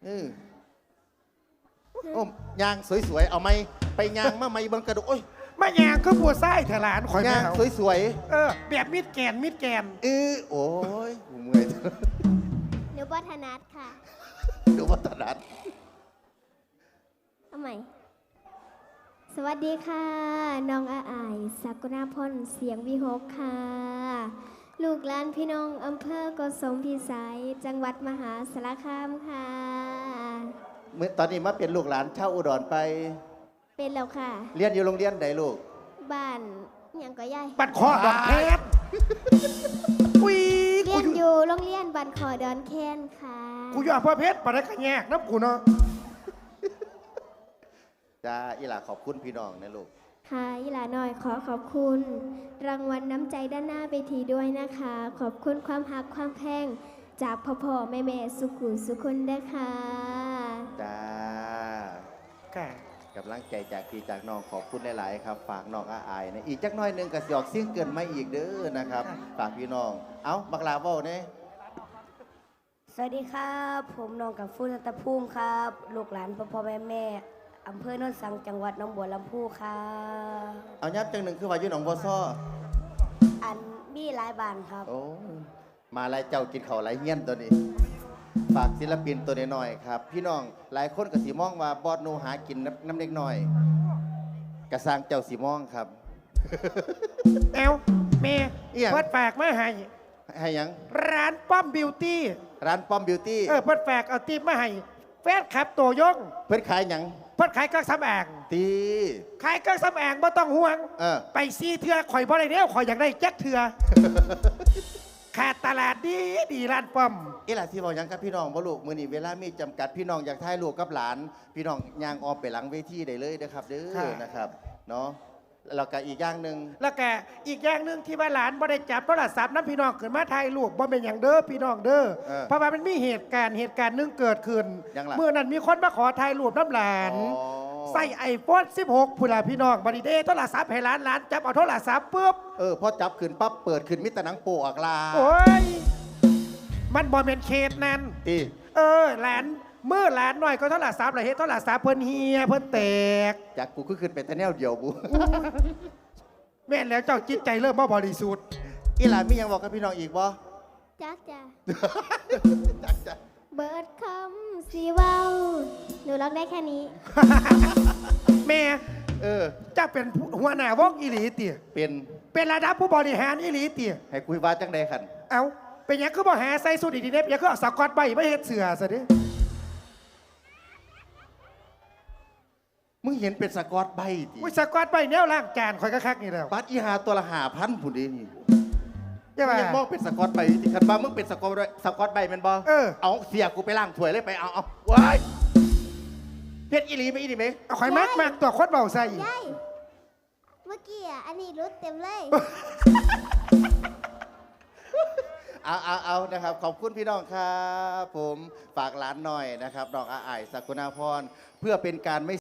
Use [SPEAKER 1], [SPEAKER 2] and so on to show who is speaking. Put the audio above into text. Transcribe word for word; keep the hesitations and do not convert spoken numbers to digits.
[SPEAKER 1] เออโอ้ยางสวยๆเอาไหมไปยางมาไหมเบังกระดูกโอ้ย
[SPEAKER 2] มายางก็บัวไส้เถลานข่อย
[SPEAKER 1] ยาง
[SPEAKER 2] แมว
[SPEAKER 1] สวย
[SPEAKER 2] เออแบบมิดแกนมิดแกน
[SPEAKER 1] ๆเออโอ้ยกูเมื่อย
[SPEAKER 3] หนูบัฒนัทค่ะ
[SPEAKER 1] ดูวัฒนธรรม
[SPEAKER 3] เอาใหม่ สวัสดีค่ะ น้องอาอายสักุณาพรเสียงวิหกค่ะ ลูกหลานพี่น้องอำเภอโกสมพิสัย จังหวัดมหาสารคามค่ะ
[SPEAKER 1] เมื่อตอนนี้มาเป็นลูกหลานเช่าอุดรไป
[SPEAKER 3] เป็นแล้วค่ะ
[SPEAKER 1] เรียนอยู่โรงเรียนใดลูก
[SPEAKER 3] บ้านหยังก็ย่าย
[SPEAKER 2] บัดคอดอกเพชรอุ้ย
[SPEAKER 3] เรี
[SPEAKER 2] กู
[SPEAKER 3] ยน
[SPEAKER 2] อยู่
[SPEAKER 3] อยู่โรงเรียนบันคอดอนแคนค่ะ
[SPEAKER 2] กูอยู่อำเภอเพชรปะได้ขะแยกน้ำกูเนาะ
[SPEAKER 1] จ้าอีหล่าขอบคุณพี่น้องนะลูก
[SPEAKER 3] ค่ะยิลาหน่อยขอขอบคุณ รางวัลน้ำใจด้านหน้าเวทีด้วยนะคะ ขอบคุณความหักความแพงจากพ่อพ่อแม่แม่สุขุสุคนด้วยค่ะ
[SPEAKER 1] จ้า
[SPEAKER 2] ค่ะ
[SPEAKER 1] กำลังใจจากพี่จากน้องขอบคุณหลาย ๆ ครับ ฝากน้องอาอายนะอีกจักหน้อยหนึงก็สิออกเสียงเกินมาอีกเด้อนะครับ ฝากพี่น้อง เอ้าบักลาเว้าเนี่ย
[SPEAKER 4] สวัสดีครับ ผมน้องกับฟูนัตภูมิครับ ลูกหลานพ่อพ่อแม่แม่อำเภอโนนสังจังหวัดหนองบัวลำพูครับ
[SPEAKER 1] เอายับจังหนึ่งคือว่าอยู่หนองบัวซ้อ
[SPEAKER 4] อันมีหลายบานครับ
[SPEAKER 1] โอ้มาหลายเจ้ากินข้าวหลายเฮี้ยนตัวนี้ ฝากศิลปินตัวน้อยๆครับ พี่น้องหลายคนก็สิมองว่าบอดหนูหากินน้ำน้ำเล็กน้อยกระสร้างเจ้าสีมองครับ
[SPEAKER 2] เอวเมย์
[SPEAKER 1] อิหยัง
[SPEAKER 2] เพิดฝากมาให้
[SPEAKER 1] ให้หยัง
[SPEAKER 2] ร้านป้อมบิวตี้
[SPEAKER 1] ร้านป้อมบิวตี้
[SPEAKER 2] เออเพิดฝากเอาตีบมาให้แฟนคลับตัวยง
[SPEAKER 1] เพิ่นขายหยัง
[SPEAKER 2] เพิดขายเครื่องสำอาง
[SPEAKER 1] ตี
[SPEAKER 2] ขายเครื่องสำอางไม่ต้องห่วง
[SPEAKER 1] เออ
[SPEAKER 2] ไปซีเถื่อข่อยบ่ได้เนี้ยข่อยอยากได้แจ็คเถื่อ ขาดตลาดดีดีร้านป้อม
[SPEAKER 1] อีหล่ะที่บอกหยังกับพี่น้องบ่ลูกมื้อนี้เวลามีจำกัดพี่น้องอยากถ่ายรูปกับหลาน พี่น้องย่างออมไปหลังเวทีได้เลยนะครับเด้
[SPEAKER 2] ค่ะ
[SPEAKER 1] อนะครับเนาะแล้วก็อีกอย่างหนึ่ง
[SPEAKER 2] แล้วก็อีกอย่างหนึ่งที่ว่าหลานบ่ได้จับโทรศัพท์น้ำพี่น้องขึ้นมาถ่ายรูปบ่เป็นอย่างเด้อพี่น้องเด้อ
[SPEAKER 1] เออ
[SPEAKER 2] เพราะว่ามันมีเหตุการณ์เหตุการณ์หนึงเกิดขึ้น
[SPEAKER 1] ยังล่ะ
[SPEAKER 2] เมื่อนั้นมีคนมาขอถ่ายรูปน้ำหลาน
[SPEAKER 1] อ๋อ
[SPEAKER 2] ใส่ไอโฟนสิบหกพุ่นล่ะพี่น้องบัดนี้เด้โทรศัพท์ให้หลานหลานจับเอาโทรศัพท์ปุ๊บ
[SPEAKER 1] เออพอจับขึ้นปั๊บเปิดขึ้นมิตรหนังโปอักลา
[SPEAKER 2] โอ้ยมันบ่เป็นเคสนั้น
[SPEAKER 1] ตี
[SPEAKER 2] เออหลานเมื่อหลานหน่อยก็โทรศัพท์เลยเฮ็ดโทรศัพท์เพิ่นเฮียเพิ่นแตก
[SPEAKER 1] จากกูก็ขึ้นไปแต่แนวเดียวบุ
[SPEAKER 2] แม่นแล้วเจ้าจิตใจเริ่มบ่บริสุทธิ์
[SPEAKER 1] อีหลานมีหยังบอกกับพี่น้องอีกบ่
[SPEAKER 3] จักจ้ะ
[SPEAKER 1] จักจ้ะ
[SPEAKER 3] เบิร์ดคำสีเว้าหนูร้องได้แค่นี้
[SPEAKER 2] แม่
[SPEAKER 1] เออ
[SPEAKER 2] เจ้าเป็นหัวหน้าวงอีหลีเตี่ย
[SPEAKER 1] เป็น
[SPEAKER 2] เป็นระดับผู้บริหารอีหลีเตี่ย
[SPEAKER 1] ให้คุยว่าจังใดขัน
[SPEAKER 2] เอาเป็นหยังคือบ่หาใส่สูทอีดีเน็บยังคือเอาสกอตใบไม่เฮ็ดเสือซะดิ
[SPEAKER 1] มึงเห็นเป็นสกอตใบติ
[SPEAKER 2] อุ้ยสกอตใบแนวล่างจานคอยกระคักนี่แล้ว
[SPEAKER 1] บัตรอีหาตัวละหาพันผุนดีนี่
[SPEAKER 2] ใช่
[SPEAKER 1] มึ
[SPEAKER 2] ป่ะ
[SPEAKER 1] งยังมองเป็นสกอตใบอยู่ติคันบ้ามึงเป็นสกอตใบสกอตใบแมันบ่
[SPEAKER 2] เออ
[SPEAKER 1] เอาเสียกูไปล้างถ้วยเลยไปเอาเอาว้ายเพชรอีหลีไหมอีหลีไหม
[SPEAKER 2] เอาคอยมากมากตัวโคตรเบาใส่
[SPEAKER 3] ยาย เมื่อกี้อ่ะ อันนี้รุดเต็มเลย
[SPEAKER 1] เอาเอาเอานะครับ ขอบคุณพี่น้องครับ ผมฝากร้านหน่อยนะครับน้องอาอายสักุณาพรเพื่อเป็นการไม่